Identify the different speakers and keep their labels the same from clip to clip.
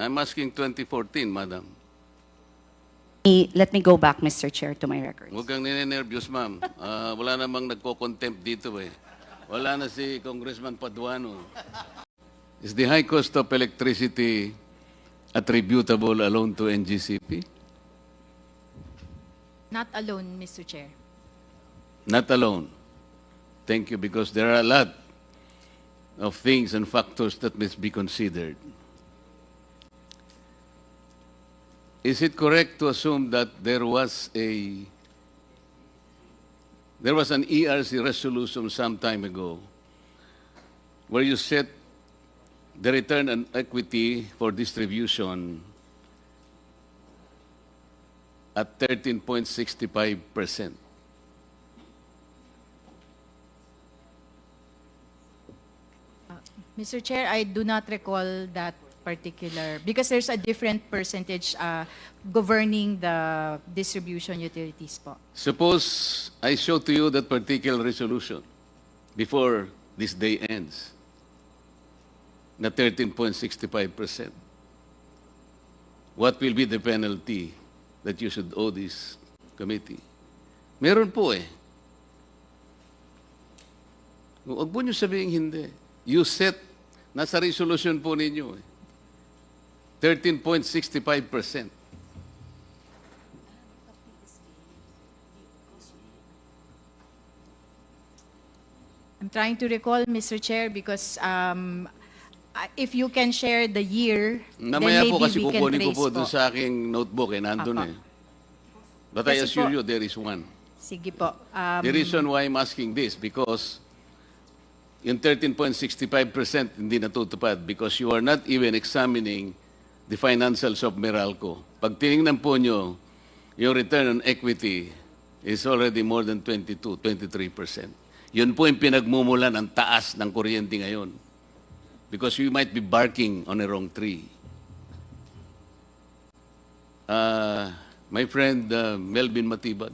Speaker 1: I'm asking 2014, madam.
Speaker 2: Let me go back, Mr. Chair, to my records.
Speaker 1: Huwag kang ninenervyos, ma'am. Wala namang nagko-contempt dito eh. Wala na si Congressman Paduano. Is the high cost of electricity attributable alone to NGCP?
Speaker 3: Not alone, Mr. Chair.
Speaker 1: Not alone. Thank you, because there are a lot of things and factors that must be considered. Is it correct to assume that there was an ERC resolution some time ago where you set the return on equity for distribution at 13.65%?
Speaker 3: Mr. Chair, I do not recall that particular, because there's a different percentage governing the distribution utilities po.
Speaker 1: Suppose I show to you that particular resolution before this day ends, na 13.65%. What will be the penalty that you should owe this committee? Meron po eh. Huwag po nyo sabihin hindi. You set, nasa resolution po ninyo eh. 13.65%.
Speaker 3: I'm trying to recall, Mr. Chair, because if you can share the year,
Speaker 1: Namaya
Speaker 3: then
Speaker 1: po
Speaker 3: maybe
Speaker 1: kasi
Speaker 3: we can
Speaker 1: kukunin ko
Speaker 3: trace
Speaker 1: po dun sa aking notebook eh, nandun
Speaker 3: Apa.
Speaker 1: eh. But I
Speaker 3: Kasi
Speaker 1: assure
Speaker 3: po-
Speaker 1: you there is one.
Speaker 3: Sige po.
Speaker 1: The reason why I'm asking this, because yung 13.65% hindi natutupad because you are not even examining the financials of Meralco. Pag tinignan po nyo, yung return on equity is already more than 23%. Yun po yung pinagmumulan ng taas ng kuryente ngayon. Because you might be barking on a wrong tree. My friend Melvin Matibag,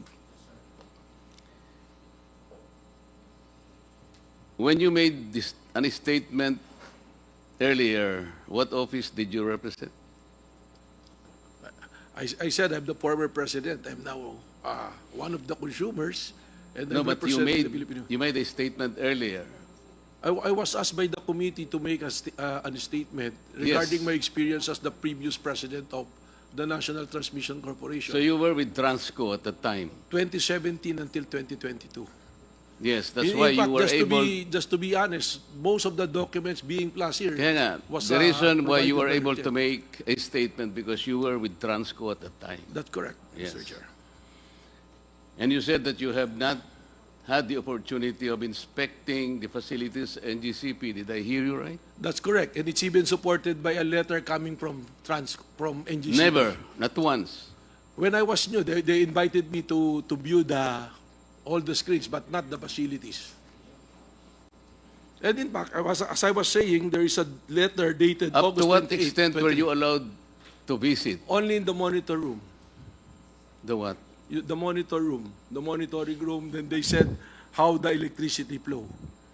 Speaker 1: when you made this an statement earlier, what office did you represent?
Speaker 4: I said I'm the former president. I'm now one of the consumers, and
Speaker 1: No,
Speaker 4: I'm
Speaker 1: but you
Speaker 4: representing the Filipino.
Speaker 1: made a statement earlier.
Speaker 4: I was asked by the committee to make a statement regarding my experience as the previous president of the National Transmission Corporation,
Speaker 1: So you were with Transco at the time.
Speaker 4: 2017 until 2022.
Speaker 1: Yes, that's
Speaker 4: In
Speaker 1: why
Speaker 4: fact,
Speaker 1: you were able.
Speaker 4: just to be honest, most of the documents being plus here
Speaker 1: Kaya nga,
Speaker 4: was
Speaker 1: the reason why you were
Speaker 4: provided by
Speaker 1: able
Speaker 4: the
Speaker 1: to
Speaker 4: chair.
Speaker 1: make a statement because you were with Transco at the time.
Speaker 4: That's correct,
Speaker 1: Yes.
Speaker 4: Mr. Chair.
Speaker 1: And you said that you have not had the opportunity of inspecting the facilities NGCP. Did I hear you right?
Speaker 4: That's correct, and it's even supported by a letter coming from NGC.
Speaker 1: Never, not once.
Speaker 4: When I was new, they invited me to view all the screens, but not the facilities. And in fact, as I was saying, there is a letter dated
Speaker 1: Up
Speaker 4: August
Speaker 1: to what
Speaker 4: 28,
Speaker 1: extent were you allowed to visit?
Speaker 4: only in the monitor room.
Speaker 1: The what?
Speaker 4: The monitor room, the monitoring room, then they said how the electricity flow.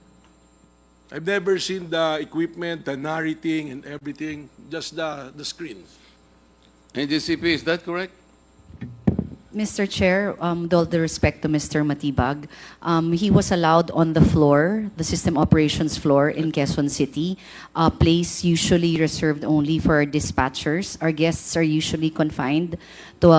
Speaker 4: I've never seen the equipment, the narrating and everything, just the screens.
Speaker 1: NGCP, is that correct?
Speaker 2: Mr. Chair, with all the respect to Mr. Matibag, he was allowed on the floor, the system operations floor in Quezon City, a place usually reserved only for dispatchers. Our guests are usually confined to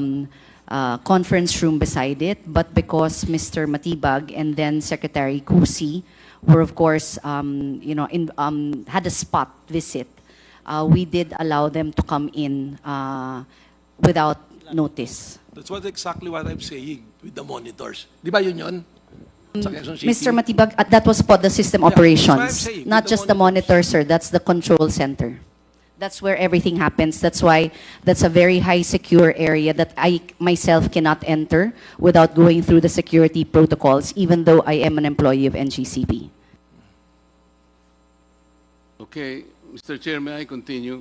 Speaker 2: a conference room beside it, but because Mr. Matibag and then Secretary Kusi were, of course, had a spot visit, we did allow them to come in without notice.
Speaker 4: That's exactly what I'm saying with the monitors. Di ba yun? Sa Quezon City?
Speaker 2: Mr. Matibag, that was for the system
Speaker 4: Yeah, that's what I'm
Speaker 2: operations,
Speaker 4: saying,
Speaker 2: not
Speaker 4: with the
Speaker 2: just the monitor, sir. That's the control center. That's where everything happens. That's why that's a very high secure area that I myself cannot enter without going through the security protocols, even though I am an employee of NGCP.
Speaker 1: Okay, Mr. Chair, may I continue?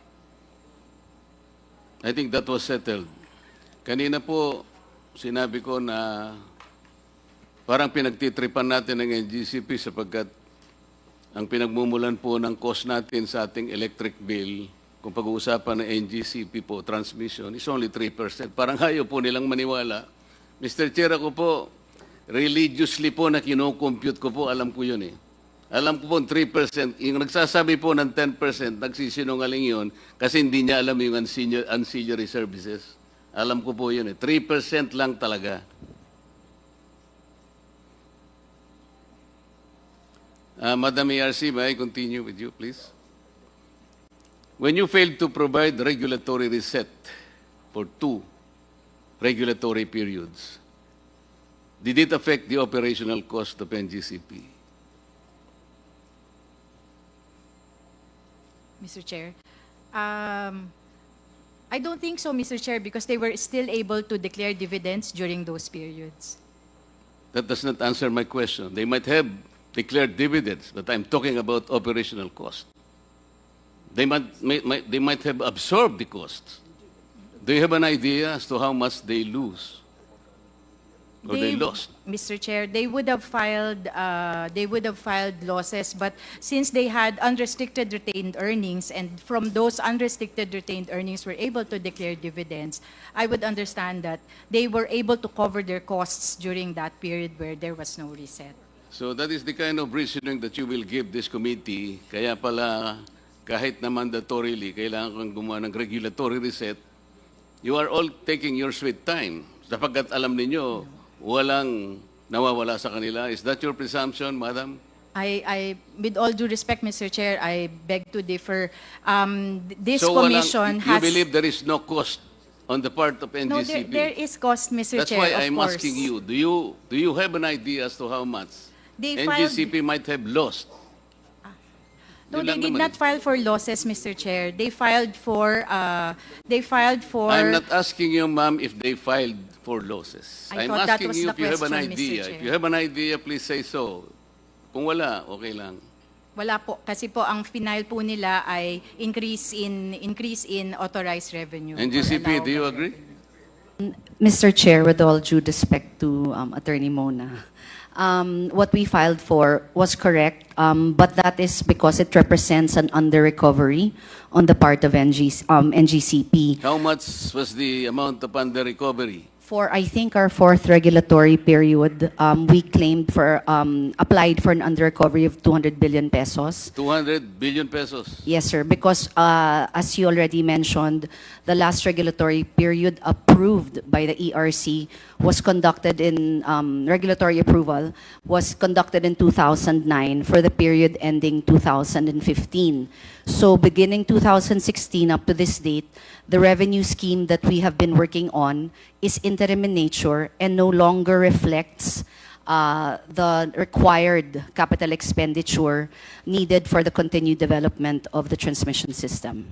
Speaker 1: I think that was settled. Kanina po, sinabi ko na parang pinagtitripan natin ng NGCP sapagkat ang pinagmumulan po ng cost natin sa ating electric bill kung pag-uusapan ng NGCP po, transmission, is only 3%. Parang ayaw po nilang maniwala. Mr. Chair, ako po, religiously po na kinocompute ko po, alam ko yun eh. Alam ko po 3%, yung nagsasabi po ng 10%, nagsisinungaling yun kasi hindi niya alam yung ancillary services. Alam ko po yun eh. 3% lang talaga. Madam ARC, may I continue with you, please? When you failed to provide regulatory reset for 2 regulatory periods, did it affect the operational cost of NGCP?
Speaker 3: Mr. Chair. I don't think so, Mr. Chair, because they were still able to declare dividends during those periods.
Speaker 1: That does not answer my question. They might have declared dividends, but I'm talking about operational cost. They might have absorbed the costs. Do you have an idea as to how much they lose? Or they lost?
Speaker 3: Mr. Chair, they would have filed losses, but since they had unrestricted retained earnings, and from those unrestricted retained earnings were able to declare dividends, I would understand that they were able to cover their costs during that period where there was no reset.
Speaker 1: So that is the kind of reasoning that you will give this committee. Kaya pala, kahit na mandatorily, kailangan kang gumawa ng regulatory reset, you are all taking your sweet time. Sapagkat alam ninyo, walang nawawala sa kanila. Is that your presumption, Madam?
Speaker 3: With all due respect, Mr. Chair, I beg to differ. This
Speaker 1: So
Speaker 3: commission
Speaker 1: you
Speaker 3: has...
Speaker 1: believe there is no cost on the part of
Speaker 3: No,
Speaker 1: NGCP?
Speaker 3: there is cost, Mr.
Speaker 1: That's
Speaker 3: Chair,
Speaker 1: why
Speaker 3: of
Speaker 1: I'm
Speaker 3: course.
Speaker 1: asking you, do you have an idea as to how much
Speaker 3: They filed-
Speaker 1: NGCP might have lost?
Speaker 3: No,
Speaker 1: Yun
Speaker 3: they
Speaker 1: lang
Speaker 3: did
Speaker 1: naman
Speaker 3: not
Speaker 1: eh.
Speaker 3: file for losses, Mr. Chair. They filed for,
Speaker 1: I'm not asking you, ma'am, if they filed for losses.
Speaker 3: I
Speaker 1: I'm
Speaker 3: thought that
Speaker 1: asking
Speaker 3: was
Speaker 1: you
Speaker 3: the
Speaker 1: if you have an
Speaker 3: question, Mr.
Speaker 1: idea.
Speaker 3: Chair.
Speaker 1: If you have an idea, please say so. Kung wala, okay lang.
Speaker 3: wala po. Kasi po, ang final po nila ay increase in authorized revenue. or
Speaker 1: NGCP, do you
Speaker 3: allowable
Speaker 1: agree?
Speaker 2: Mr. Chair, with all due respect to Attorney Mona, what we filed for was correct, but that is because it represents an under-recovery on the part of NGCP.
Speaker 1: How much was the amount of under recovery?
Speaker 2: For, I think, our 4th regulatory period, we claimed for, applied for an under-recovery of 200 billion pesos.
Speaker 1: 200 billion pesos.
Speaker 2: Yes, sir, because as you already mentioned, the last regulatory period approved by the ERC was conducted in, regulatory approval was conducted in 2009 for the period ending 2015. So beginning 2016 up to this date, the revenue scheme that we have been working on is interim in nature and no longer reflects the required capital expenditure needed for the continued development of the transmission system.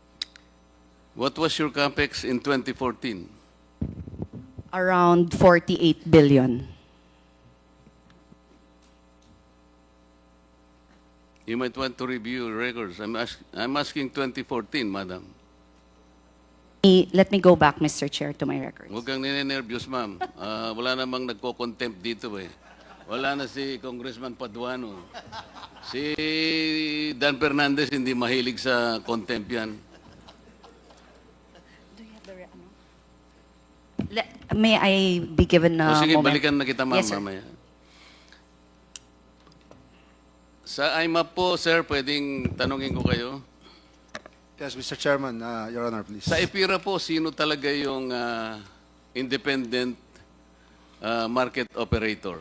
Speaker 1: What was your capex in 2014?
Speaker 2: Around 48 billion.
Speaker 1: You might want to review your records. I'm asking 2014, madam.
Speaker 2: Let me go back, Mr. Chair, to my records.
Speaker 1: Huwag kang ninenervyos, ma'am. Wala namang nagko-contempt dito eh. Wala na si Congressman Paduano. Si Dan Fernandez hindi mahilig sa contempt yan.
Speaker 2: May I be given
Speaker 1: O
Speaker 2: a
Speaker 1: sige,
Speaker 2: moment?
Speaker 1: balikan na kita, ma'am,
Speaker 2: Yes, sir.
Speaker 1: mamaya. Sa IMAP po, sir, pwedeng tanungin ko kayo.
Speaker 5: Yes, Mr. Chairman, Your Honor, please.
Speaker 1: Sa EPIRA po, sino talaga yung independent market operator?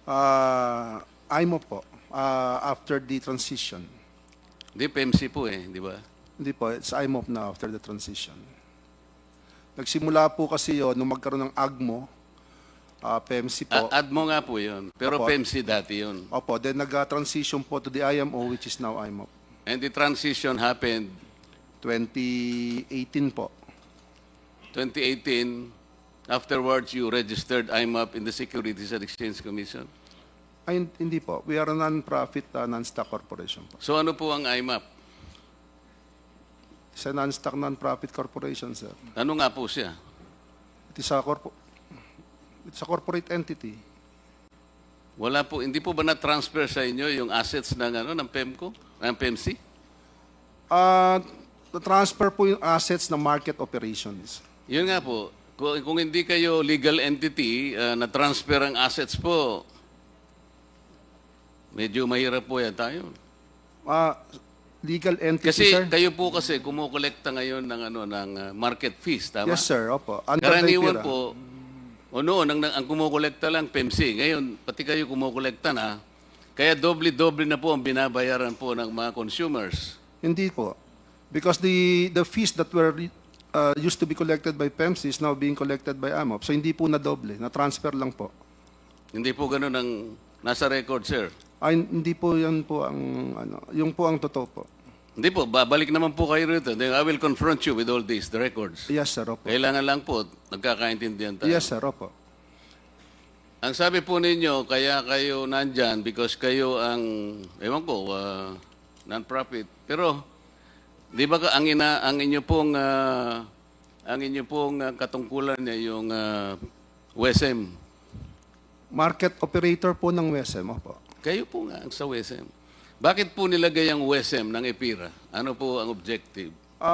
Speaker 5: IMO po, after the transition.
Speaker 1: Di, PMC po eh, di ba?
Speaker 5: Hindi po, it's IMO na after the transition. Nagsimula po kasi yun, nung magkaroon ng AGMO, PMC po.
Speaker 1: ADMO nga po yun, pero
Speaker 5: Opo.
Speaker 1: PMC dati yun.
Speaker 5: Opo, then nag-transition po to the IMO, which is now IMO.
Speaker 1: And the transition happened
Speaker 5: 2018 po.
Speaker 1: 2018. Afterwards, you registered IMAP in the Securities and Exchange Commission.
Speaker 5: Ay, hindi po. We are a non-profit, non-stock corporation po.
Speaker 1: So ano po ang IMAP?
Speaker 5: It's a non-stock, non-profit corporation, sir.
Speaker 1: Ano nga po siya?
Speaker 5: It's a corporate entity.
Speaker 1: Wala po, hindi po ba na-transfer sa inyo yung assets ng, ng PEMCO, ng PEMC?
Speaker 5: transfer po yung assets ng market operations.
Speaker 1: Yun nga po, kung hindi kayo legal entity, na-transfer ang assets po, medyo mahirap po yan tayo.
Speaker 5: Legal entity,
Speaker 1: Kasi
Speaker 5: sir?
Speaker 1: kayo po kasi kumukolekta ngayon ng market fees, tama?
Speaker 5: Yes, sir. Opo. Under the
Speaker 1: Karaniwan
Speaker 5: IPIRA.
Speaker 1: po, o noon, ang kumukolekta lang PEMC. Ngayon, pati kayo kumukolekta na. Kaya doble-doble na po ang binabayaran po ng mga consumers.
Speaker 5: Hindi po. Because the fees that were used to be collected by PEMC is now being collected by AMOP. So hindi po na doble. Na-transfer lang po.
Speaker 1: Hindi po ganun ang nasa record, sir.
Speaker 5: Ay, hindi po yan po ang, yung po ang totoo po.
Speaker 1: Hindi po, babalik naman po kayo rito. Then I will confront you with all these, the records.
Speaker 5: Yes, sir. Opo.
Speaker 1: Kailangan lang po, nagkakaintindihan tayo.
Speaker 5: Yes, sir. Opo.
Speaker 1: Ang sabi po ninyo, kaya kayo nandyan because kayo ang, ewan ko, non-profit. Pero, di ba ang inyo pong katungkulan niya yung WSM?
Speaker 5: Market operator po ng WSM. Opo.
Speaker 1: Kayo po nga ang sa WSM. Bakit po nilagay ang WSM ng EPIRA? Ano po ang objective?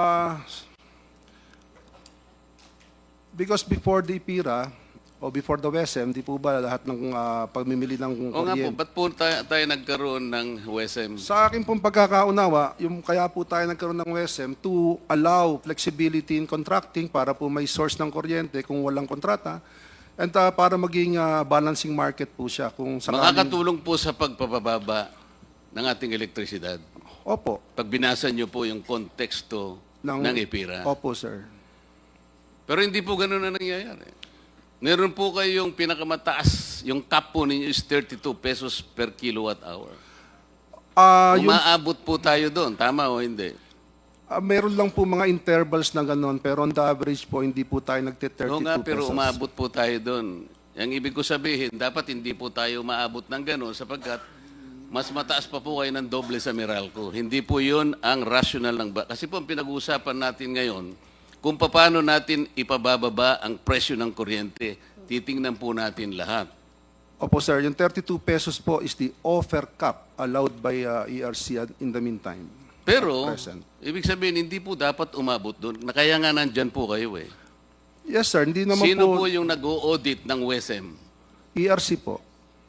Speaker 5: Because before the IPIRA, o before the WSM, di po ba lahat ng pagmimili ng
Speaker 1: O nga po,
Speaker 5: kuryente?
Speaker 1: ba't po tayo nagkaroon ng WSM?
Speaker 5: Sa akin pong pagkakaunawa, yung kaya po tayo nagkaroon ng WSM to allow flexibility in contracting para po may source ng kuryente kung walang kontrata and para maging balancing market po siya kung sakaling...
Speaker 1: Makakatulong po sa pagpapababa ng ating elektrisidad.
Speaker 5: Opo.
Speaker 1: Pag binasa nyo po yung konteksto ng EPIRA.
Speaker 5: Opo, sir.
Speaker 1: Pero hindi po ganun na nangyayari. Meron po kayong pinakamataas, yung cap po ninyo is 32 pesos per kilowatt hour. Umaabot po tayo doon, tama o hindi?
Speaker 5: Meron lang po mga intervals na gano'n, pero on the average po, hindi po tayo nagte-32
Speaker 1: Oo nga, pero
Speaker 5: pesos.
Speaker 1: umaabot po tayo doon. Ang ibig ko sabihin, dapat hindi po tayo maabot ng gano'n sapagkat mas mataas pa po kayo ng doble sa Meralco. Hindi po yun ang rational ng... Kasi po ang pinag-uusapan natin ngayon, kung paano natin ipabababa ang presyo ng kuryente, titingnan po natin lahat.
Speaker 5: Opo, sir. Yung 32 pesos po is the offer cap allowed by ERC in the meantime.
Speaker 1: Pero,
Speaker 5: Present.
Speaker 1: ibig sabihin, hindi po dapat umabot doon. Kaya nga nandyan po kayo eh.
Speaker 5: Yes, sir. Hindi naman
Speaker 1: Sino
Speaker 5: po...
Speaker 1: po yung nag-o-audit ng WSM?
Speaker 5: ERC po.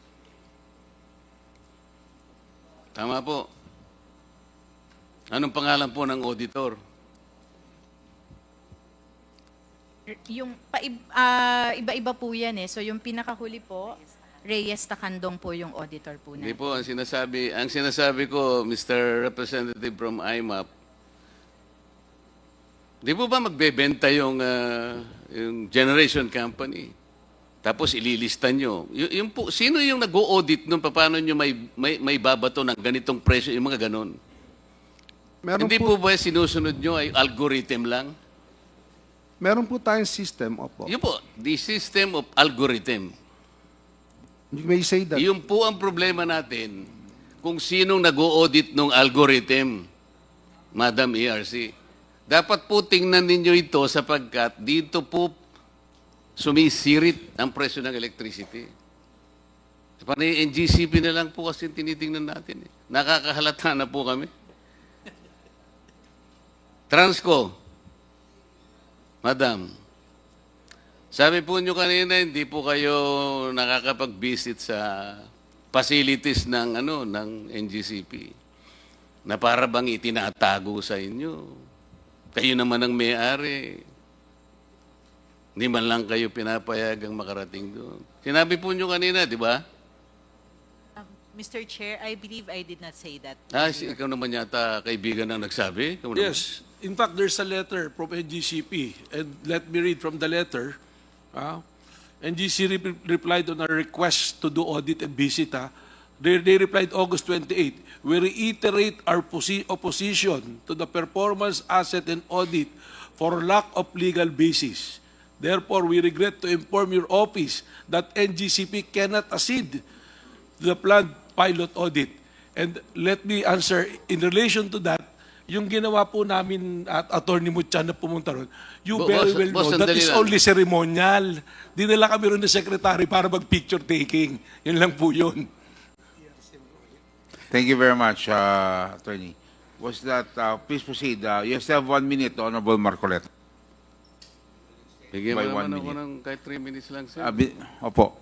Speaker 1: Tama po. Anong pangalan po ng auditor?
Speaker 3: Yung iba-iba po yan eh. So yung pinakahuli po, Reyes Tacandong po yung auditor po
Speaker 1: Hindi
Speaker 3: na.
Speaker 1: po, ang sinasabi ko, Mr. Representative from IMAP, di po ba magbebenta yung generation company? Tapos ililista nyo. Yung po, sino yung nag-o-audit nun? Paano nyo may babato ng ganitong presyo? Yung mga ganon.
Speaker 5: Meron
Speaker 1: Hindi po ba sinusunod nyo ay algorithm lang?
Speaker 5: Meron po tayong system, opo.
Speaker 1: Yun po, the system of algorithm.
Speaker 5: You may say that.
Speaker 1: Yun po ang problema natin kung sinong nag-o-audit ng algorithm, Madam ERC. Dapat po tingnan ninyo ito sapagkat dito po sumisirit ang presyo ng electricity. Panay NGCP na lang po kasi tinitingnan natin. Nakakahalata na po kami. Transco. Madam, sabi po nyo kanina, hindi po kayo nakakapag-visit sa facilities ng NGCP na para bang itinatago sa inyo. Kayo naman ang may-ari. Hindi man lang kayo pinapayagang makarating doon. Sinabi po nyo kanina, di ba?
Speaker 6: Mr. Chair, I believe I did not say that.
Speaker 1: Ikaw naman yata kaibigan ang nagsabi. Ikaw naman.
Speaker 4: Yes. In fact, there's a letter from NGCP. And let me read from the letter. NGC replied on our request to do audit and visit. They replied August 28. We reiterate our opposition to the performance asset and audit for lack of legal basis. Therefore, we regret to inform your office that NGCP cannot accede to the planned pilot audit. And let me answer, in relation to that, yung ginawa po namin at Attorney Mutchan na pumunta ron, you very well know that is only ceremonial. Dinala kami ron ng secretary para mag-picture taking. Yun lang po yun.
Speaker 7: Thank you very much, Attorney. was that, please proceed. You still have 1 minute, Honorable Marcoleta.
Speaker 1: Bigyan mo
Speaker 7: By
Speaker 1: naman
Speaker 7: 1
Speaker 1: ako
Speaker 7: minute.
Speaker 1: ng kahit 3 minutes lang, sir.
Speaker 7: Opo.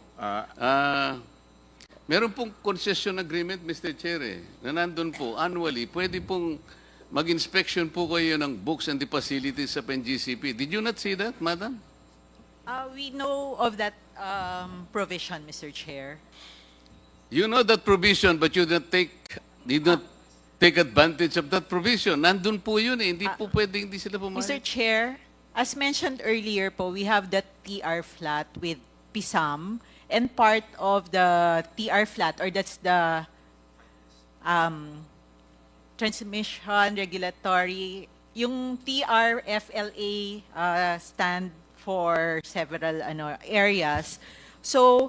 Speaker 1: Meron pong concession agreement, Mr. Chair, na nandun po, annually, pwede pong mag-inspection po kayo ng books and the facilities sa NGCP. Did you not see that, madam?
Speaker 6: We know of that provision, Mr. Chair.
Speaker 1: You know that provision, but you did not take advantage of that provision. Nandun po yun eh. Hindi po pwedeng hindi sila
Speaker 6: Mr.
Speaker 1: pumayag.
Speaker 6: Chair, as mentioned earlier po, we have the TR flat with PISAM, and part of the TR flat, or that's the transmission regulatory, yung TRFLA stand for several areas. So,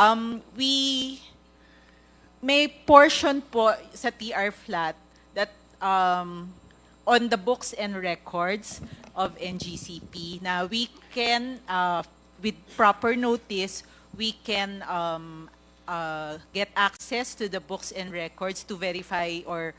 Speaker 6: we may portion po sa TR flat that on the books and records of NGCP. Now, we can, with proper notice, we can get access to the books and records to verify or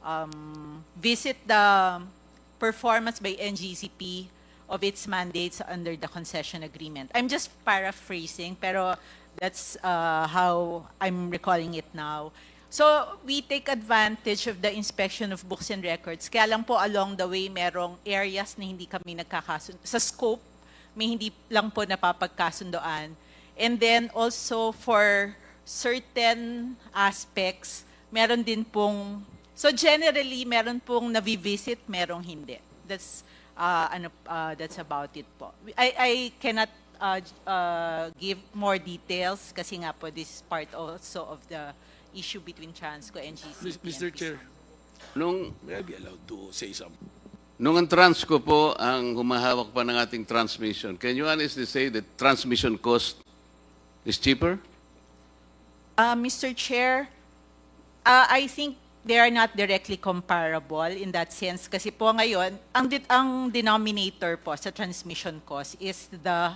Speaker 6: visit the performance by NGCP of its mandates under the concession agreement. I'm just paraphrasing, pero that's how I'm recalling it now. So, we take advantage of the inspection of books and records. Kaya lang po along the way, merong areas na hindi kami nagkakasundo. Sa scope, may hindi lang po napapagkasundoan. And then also for certain aspects, meron din pong, so generally, meron pong navivisit, merong hindi. That's, that's about it po. I cannot give more details kasi nga po this is part also of the issue between Transco and GCP.
Speaker 4: Mr. Chair, may I be allowed to say something?
Speaker 1: Nung ang Transco po ang humahawak pa ng ating transmission, can you honestly say that transmission cost is cheaper?
Speaker 6: Mr. Chair, I think they are not directly comparable in that sense kasi po ngayon, ang denominator po sa transmission cost is the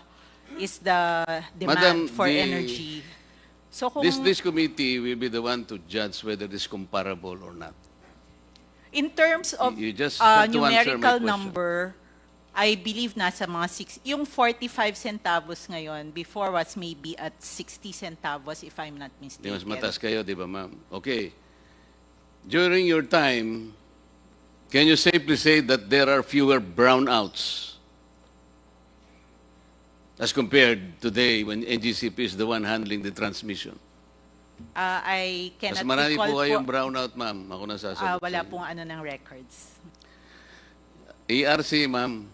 Speaker 6: demand
Speaker 1: Madam,
Speaker 6: for energy. So kung
Speaker 1: This committee will be the one to judge whether it is comparable or not.
Speaker 6: in terms of
Speaker 1: You just have to answer my
Speaker 6: numerical
Speaker 1: question.
Speaker 6: number, I believe nasa mga 6, yung 45 centavos ngayon, before was maybe at 60 centavos if I'm not
Speaker 1: Di
Speaker 6: mistaken.
Speaker 1: mas mataas kayo, di ba ma'am? Okay. During your time, can you safely say that there are fewer brownouts as compared today when NGCP is the one handling the transmission?
Speaker 6: I
Speaker 1: Mas
Speaker 6: cannot
Speaker 1: marami
Speaker 6: recall
Speaker 1: po kayong
Speaker 6: po,
Speaker 1: brownout, ma'am. Ako nasasagot
Speaker 6: wala
Speaker 1: sa inyo.
Speaker 6: pong ng records.
Speaker 1: ERC, ma'am.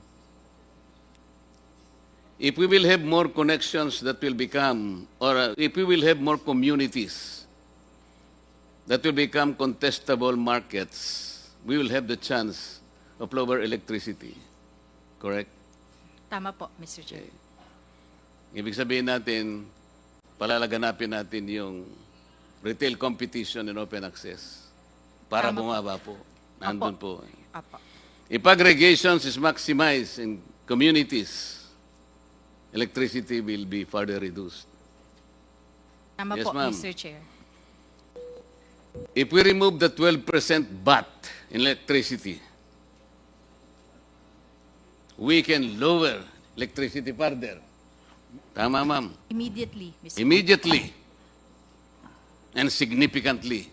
Speaker 1: If we will have more connections that will become, or if we will have more communities that will become contestable markets, we will have the chance of lower electricity. Correct?
Speaker 3: Tama po, Mr. Chair.
Speaker 1: Ibig sabihin natin, palalaganapin natin yung retail competition and open access para
Speaker 3: Tama po.
Speaker 1: bumaba po. Nandun po.
Speaker 3: Apo.
Speaker 1: If aggregations is maximized in communities, electricity will be further reduced.
Speaker 3: Tama
Speaker 1: Yes,
Speaker 3: po,
Speaker 1: ma'am.
Speaker 3: Mr. Chair.
Speaker 1: If we remove the 12% VAT in electricity, we can lower electricity further. Tama, ma'am.
Speaker 3: Immediately, Mr.
Speaker 1: Immediately and significantly.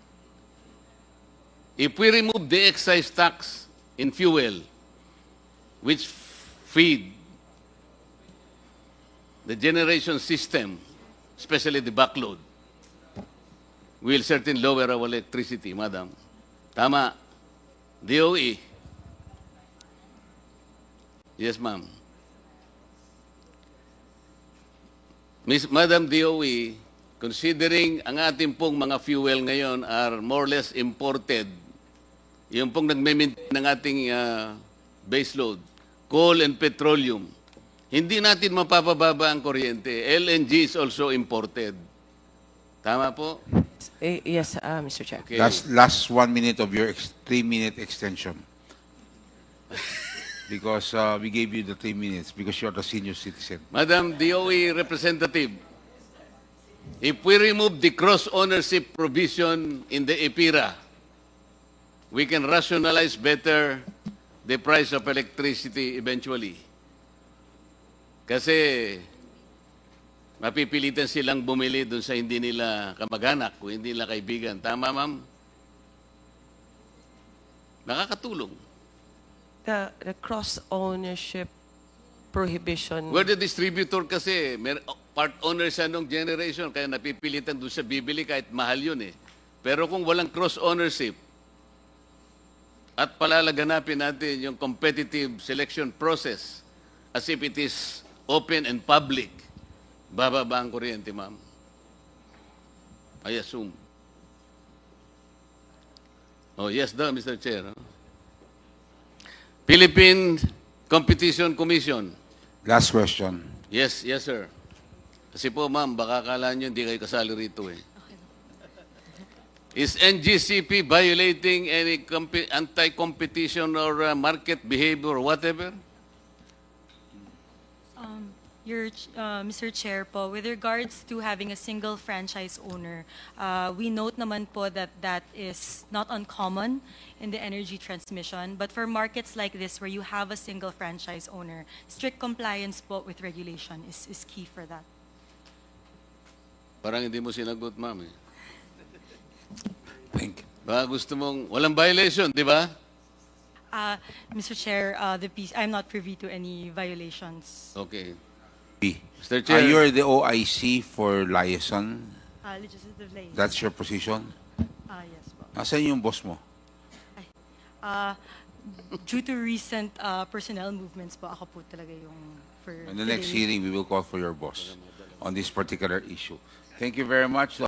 Speaker 1: If we remove the excise tax in fuel, which feed the generation system, especially the backload, we will certainly lower our electricity, madam. Tama. DOE. Yes, ma'am. Madam DOE, considering ang ating pong mga fuel ngayon are more or less imported, yung pong nagme-maintain ng ating base load, coal and petroleum, hindi natin mapapababa ang kuryente. LNG is also imported. Tama po?
Speaker 8: Yes, Mr. Chair.
Speaker 1: Okay.
Speaker 7: Last 1 minute of your 3-minute extension. Because we gave you the 3 minutes because you're the senior citizen.
Speaker 1: Madam DOE representative, if we remove the cross-ownership provision in the EPIRA, we can rationalize better the price of electricity eventually. Kasi mapipilitan silang bumili dun sa hindi nila kamag-anak, kung hindi nila kaibigan. Tama, ma'am? Nakakatulong.
Speaker 8: The cross-ownership prohibition.
Speaker 1: Where the distributor kasi, part owner siya nung generation, kaya napipilitan dun sa bibili kahit mahal yun eh. Pero kung walang cross-ownership, at palalaganapin natin yung competitive selection process as if it is open and public, bababa ang kuryente, ma'am. I assume. Oh, yes daw, Mr. Chair. Philippine Competition Commission.
Speaker 7: Last question.
Speaker 1: Yes, yes, sir. Kasi po, ma'am, baka akala nyo hindi kayo kasali rito eh. Is NGCP violating any anti-competition or market behavior or whatever?
Speaker 9: Mr. Chair po, with regards to having a single franchise owner, we note naman po that that is not uncommon in the energy transmission. But for markets like this where you have a single franchise owner, strict compliance po with regulation is key for that.
Speaker 1: Parang hindi mo sinagot, ma'am eh.
Speaker 7: Thank you.
Speaker 1: Baka gusto mong, walang violation, di ba?
Speaker 9: Mr. Chair, I'm not privy to any violations.
Speaker 1: Okay.
Speaker 7: B.
Speaker 1: Mr. Chair.
Speaker 7: You're the OIC for liaison.
Speaker 9: Legislative liaison.
Speaker 7: That's your position?
Speaker 9: Yes po.
Speaker 7: Asan yung boss mo?
Speaker 9: Due to recent personnel movements po, ako po talaga yung for
Speaker 7: In the next
Speaker 9: today.
Speaker 7: hearing, we will call for your boss on this particular issue. Thank you very much.